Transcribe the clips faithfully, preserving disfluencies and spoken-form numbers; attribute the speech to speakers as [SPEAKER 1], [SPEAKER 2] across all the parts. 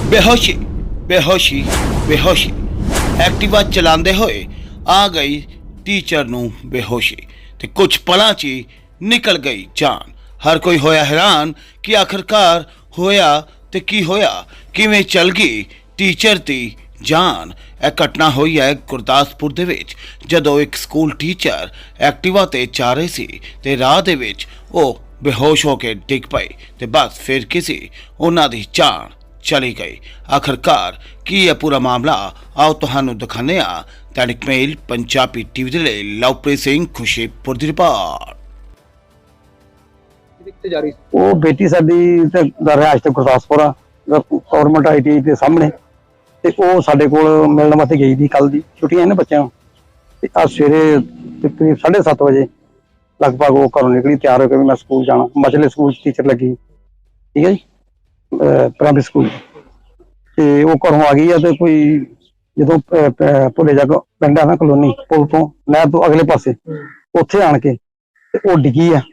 [SPEAKER 1] बेहोशी बेहोशी बेहोशी एक्टिवा चलाते हुए आ गई टीचर नूं बेहोशी ते कुछ पलां च ही निकल गई जान। हर कोई होया हैरान कि आखिरकार होया ते की होया, किवें चल गई टीचर दी जान। यह घटना हुई है गुरदासपुर दे विच, जदों एक स्कूल टीचर एक्टिवा ते जा रहे सी ते राह दे विच ओ बेहोश होके डिग पए ते बस फिर किसी उन्हां दी जान चली गई। आखिरकार की है पूरा मामला, आओ तुहानू दिखाने आ। दैनिक मेल पंजाबी टीवी दे लई लवप्रीत सिंह खुशीपुर दी रिपोर्ट।
[SPEAKER 2] ਉਹ ਬੇਟੀ ਸਾਡੀ ਤੇ ਰਿਹਾਇਸ਼ ਤੇ ਗੁਰਦਾਸਪੁਰ ਆ ਗਵਰਨਮੈਂਟ ਆਈ ਟੀ ਆਈ ਦੇ ਸਾਹਮਣੇ, ਤੇ ਉਹ ਸਾਡੇ ਕੋਲ ਮਿਲਣ ਵਾਸਤੇ ਗਈ ਦੀ। ਕੱਲ ਦੀ ਛੁੱਟੀਆਂ ਨੇ ਬੱਚਿਆਂ ਨੂੰ, ਤੇ ਅੱਜ ਸਵੇਰੇ ਤਕਰੀਬਨ ਸਾਢੇ ਸੱਤ ਵਜੇ ਲਗਭਗ ਉਹ ਘਰੋਂ ਨਿਕਲੀ ਤਿਆਰ ਹੋ ਕੇ ਵੀ ਮੈਂ ਸਕੂਲ ਜਾਣਾ। ਮਚਲੇ ਸਕੂਲ ਚ ਟੀਚਰ ਲੱਗੀ, ਠੀਕ ਹੈ ਜੀ, ਪ੍ਰਾਇਮਰੀ ਸਕੂਲ। ਤੇ ਉਹ ਘਰੋਂ ਆ ਗਈ ਆ ਤੇ ਕੋਈ ਜਦੋਂ ਭੁੱਲੇ ਜਾ ਪਿੰਡ ਆ ਨਾ ਕਲੋਨੀ, ਪੁਲ ਤੋਂ ਨਹਿਰ ਤੋਂ ਅਗਲੇ ਪਾਸੇ ਉੱਥੇ ਆਣ ਕੇ ਤੇ ਉਹ ਡਿੱਗੀ ਆ।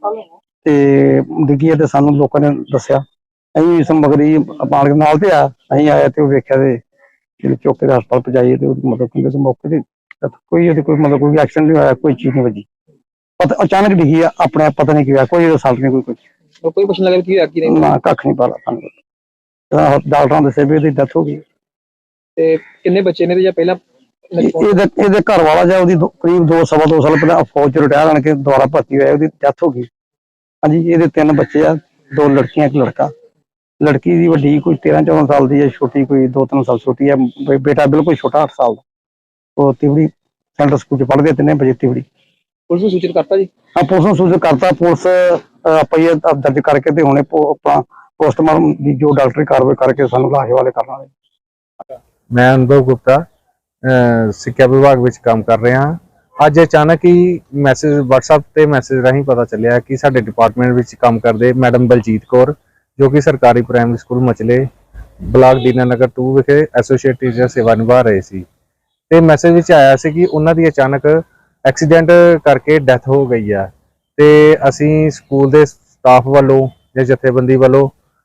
[SPEAKER 2] ਤੇ ਡਿੱਗੀ ਤੇ ਸਾਨੂੰ ਲੋਕਾਂ ਨੇ ਦੱਸਿਆ, ਅਸੀਂ ਸਮਗਰੀ ਪਾਣ ਨਾਲ ਤੇ ਆ ਅਸੀਂ ਆਇਆ ਤੇ ਉਹ ਵੇਖਿਆ ਤੇ ਜਿਹੜੇ ਚੌਕੇ ਦੇ ਹਸਪਤਾਲ ਪਹੁੰਚਾਈਏ ਤੇ ਉਹਦੀ ਮਤਲਬ ਕਿ ਮੌਕੇ ਤੇ ਕੋਈ ਉਹਦੇ ਕੋਈ ਮਤਲਬ ਕੋਈ ਐਕਸੀਡੈਂਟ ਨਹੀਂ ਹੋਇਆ, ਕੋਈ ਚੀਜ਼ ਨਹੀਂ ਵੱਜੀ। ਪਤਾ ਅਚਾਨਕ ਡਿੱਗੀ ਆ, ਆਪਣੇ ਆਪ ਪਤਾ ਨਹੀਂ ਕੀ ਹੋਇਆ, ਕੋਈ ਰਿਸਲਟ ਨਹੀਂ, ਕੋਈ ਕੁਝ
[SPEAKER 3] ਕੋਈ ਪੁੱਛਣ ਲੱਗਾ ਕੀ ਹੋਇਆ ਕੀ ਨਹੀਂ
[SPEAKER 2] ਨਾ, ਕੱਖ ਨਹੀਂ ਪਤਾ ਸਾਨੂੰ। ਡਾਕਟਰਾਂ ਦੱਸਿਆ ਵੀ ਉਹਦੀ ਡੈਥ ਹੋ ਗਈ।
[SPEAKER 3] ਤੇ ਕਿੰਨੇ ਬੱਚੇ ਨੇ ਤੇ ਜਾਂ ਪਹਿਲਾਂ
[SPEAKER 2] ਇਹਦੇ ਇਹਦੇ ਘਰ ਵਾਲਾ ਜਾਂ ਉਹਦੀ ਕਰੀਬ ਦੋ ਸਵਾ ਦੋ ਸਾਲ ਪਹਿਲਾਂ ਫੌਜ ਚ ਰਿਟਾਇਰ ਆਣ ਕੇ ਦੁਬਾਰਾ ਭਰਤੀ ਹੋਇਆ, ਉਹਦੀ ਡੈਥ ਹੋ ਗਈ। ਹਾਂਜੀ, ਇਹਦੇ ਤਿੰਨ ਬੱਚੇ ਆ, ਦੋ ਲੜਕੀਆਂ ਇੱਕ ਲੜਕਾ। ਲੜਕੀ ਦੀ ਵੱਡੀ ਕੋਈ ਤੇਰਾਂ ਚੌਦਾਂ ਸਾਲ ਦੀ ਹੈ, ਛੋਟੀ ਕੋਈ ਦੋ ਤਿੰਨ ਸਾਲ ਛੋਟੀ ਹੈ। ਬੇਟਾ ਬਿਲਕੁਲ ਛੋਟਾ ਅੱਠ ਸਾਲ ਦਾ। ਉਹ ਤਿਵੜੀ ਸੈਂਟਰ ਸਕੂਲ ਚ ਪੜ੍ਹਦੇ, ਤਿੰਨੇ ਬੱਚੇ ਤਿਵੜੀ।
[SPEAKER 3] ਪੁਲਿਸ ਨੂੰ ਸੂਚਿਤ ਕਰਤਾ ਜੀ?
[SPEAKER 2] ਹਾਂ, ਪੁਲਿਸ ਨੂੰ ਸੂਚਿਤ ਕਰਤਾ। ਪੁਲਿਸ ਪਈਏ ਦਰਜ ਕਰਕੇ ਤੇ ਹੁਣੇ ਆਪਾਂ ਪੋਸਟਮਾਰਟਮ ਦੀ ਜੋ ਡਾਕਟਰੀ ਕਾਰਵਾਈ ਕਰਕੇ ਸਾਨੂੰ ਲਾਸ਼ ਵਾਲੇ ਕਰਨ ਵਾਲੇ।
[SPEAKER 4] ਮੈਂ ਅਨੁਭਵ ਗੁਪਤਾ ਸਿੱਖਿਆ ਵਿਭਾਗ ਵਿੱਚ ਕੰਮ ਕਰ ਰਿਹਾ ਹਾਂ। ਅੱਜ ਅਚਾਨਕ ਹੀ ਮੈਸੇਜ WhatsApp ਤੇ ਮੈਸੇਜ ਰਾਹੀਂ ਪਤਾ ਚੱਲਿਆ ਕਿ ਸਾਡੇ ਡਿਪਾਰਟਮੈਂਟ ਵਿੱਚ ਕੰਮ ਕਰਦੇ ਮੈਡਮ ਬਲਜੀਤ ਕੌਰ, ਜੋ ਕਿ ਸਰਕਾਰੀ primary school Machle block Dinanagar ਦੋ ਵਿਖੇ ਐਸੋਸੀਏਟ ਟੀਚਰ ਸੇਵਾ ਨਿਭਾ ਰਹੇ ਸੀ। ਤੇ ਮੈਸੇਜ ਵਿੱਚ ਆਇਆ ਸੀ ਕਿ ਉਹਨਾਂ ਦੀ ਅਚਾਨਕ ਐਕਸੀਡੈਂਟ ਕਰਕੇ ਡੈਥ ਹੋ ਗਈ ਆ। ਤੇ ਅਸੀਂ ਸਕੂਲ ਦੇ ਸਟਾਫ ਵੱਲੋਂ ਜਾਂ ਜਥੇਬੰਦੀ ਵੱਲੋਂ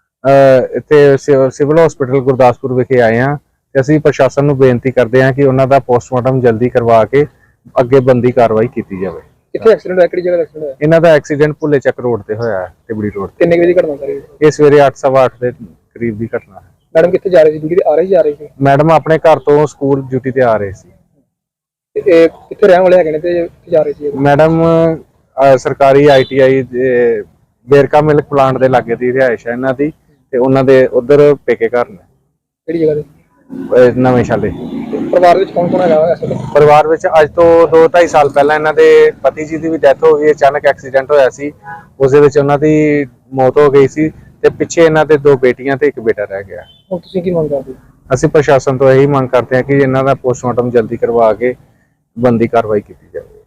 [SPEAKER 4] ਇੱਥੇ ਸਿਵਲ ਹਸਪੀਟਲ ਗੁਰਦਾਸਪੁਰ ਵਿਖੇ ਆਏ ਹਾਂ। ਤੇ ਅਸੀਂ ਪ੍ਰਸ਼ਾਸਨ ਨੂੰ ਬੇਨਤੀ ਕਰਦੇ ਹਾਂ ਕਿ ਉਹਨਾਂ ਦਾ ਪੋਸਟਮਾਰਟਮ ਜਲਦੀ ਕਰਵਾ ਕੇ ਅੱਗੇ ਬੰਦੀ ਕਾਰਵਾਈ ਕੀਤੀ ਜਾਵੇ।
[SPEAKER 3] ਕਿੱਥੇ ਐਕਸੀਡੈਂਟ ਹੋਇਆ, ਕਿਹੜੀ ਜਗ੍ਹਾ ਐਕਸੀਡੈਂਟ ਹੋਇਆ?
[SPEAKER 4] ਇਹਨਾਂ ਦਾ ਐਕਸੀਡੈਂਟ ਭੁੱਲੇ ਚੱਕ ਰੋਡ ਤੇ ਹੋਇਆ ਹੈ, ਤਿਬੜੀ ਰੋਡ ਤੇ।
[SPEAKER 3] ਕਿੰਨੇ ਵਜੇ ਦੀ ਘਟਨਾ ਸਾਰੀ?
[SPEAKER 4] ਇਹ ਸਵੇਰੇ ਅੱਠ ਸਵਾ ਅੱਠ ਦੇ ਕਰੀਬ ਦੀ ਘਟਨਾ ਹੈ।
[SPEAKER 3] ਮੈਡਮ ਕਿੱਥੇ ਜਾ ਰਹੀ ਸੀ? ਡਿਊਟੀ ਤੇ ਆ ਰਹੀ ਜਾ ਰਹੀ ਸੀ?
[SPEAKER 4] ਮੈਡਮ ਆਪਣੇ ਘਰ ਤੋਂ ਸਕੂਲ ਡਿਊਟੀ ਤੇ ਆ ਰਹੇ ਸੀ।
[SPEAKER 3] ਤੇ ਇਹ ਕਿੱਥੇ ਰਹਿਣ ਵਾਲੇ ਹੈਗੇ ਨੇ ਤੇ ਕਿੱਥੇ ਜਾ ਰਹੇ ਸੀ?
[SPEAKER 4] ਮੈਡਮ ਸਰਕਾਰੀ ਆਈ ਟੀ ਆਈ ਦੇ ਬੇਰਕਾ ਮਿਲਕ ਪਲਾਂਟ ਦੇ ਲਾਗੇ ਦੀ ਰਿਹਾਇਸ਼ ਹੈ ਇਹਨਾਂ ਦੀ, ਤੇ ਉਹਨਾਂ ਦੇ ਉਧਰ ਪੇਕੇ ਘਰ ਨੇ।
[SPEAKER 3] ਕਿਹੜੀ ਜਗ੍ਹਾ ਤੇ?
[SPEAKER 4] ਨਵੇਂ ਸ਼ਾਲੇ।
[SPEAKER 3] ਪਰਿਵਾਰ ਵਿੱਚ ਕੌਣ ਕੌਣ ਹੈਗਾ ਇਸ ਵੇਲੇ?
[SPEAKER 4] ਪਰਿਵਾਰ ਵਿੱਚ ਅੱਜ ਤੋਂ ਦੋ ਢਾਈ ਸਾਲ ਪਹਿਲਾਂ ਇਹਨਾਂ ਦੇ ਪਤੀ ਜੀ ਦੀ ਵੀ ਡੈਥ ਹੋ ਗਈ। ਅਚਾਨਕ ਐਕਸੀਡੈਂਟ ਹੋਇਆ ਸੀ, ਉਸ ਦੇ ਵਿੱਚ ਉਹਨਾਂ ਦੀ ਮੌਤ ਹੋ ਗਈ ਸੀ। ਤੇ ਪਿੱਛੇ ਇਹਨਾਂ ਦੇ ਦੋ ਬੇਟੀਆਂ ਤੇ ਇੱਕ ਬੇਟਾ ਰਹਿ ਗਿਆ।
[SPEAKER 3] ਹੁਣ ਤੁਸੀਂ ਕੀ ਮੰਗ ਕਰਦੇ ਹੋ?
[SPEAKER 4] ਅਸੀਂ ਪ੍ਰਸ਼ਾਸਨ ਤੋਂ ਇਹੀ ਮੰਗ ਕਰਦੇ ਹਾਂ ਕਿ ਇਹਨਾਂ ਦਾ ਪੋਸਟਮਾਰਟਮ ਜਲਦੀ ਕਰਵਾ ਕੇ ਬੰਦੀ ਕਾਰਵਾਈ ਕੀਤੀ ਜਾਵੇ।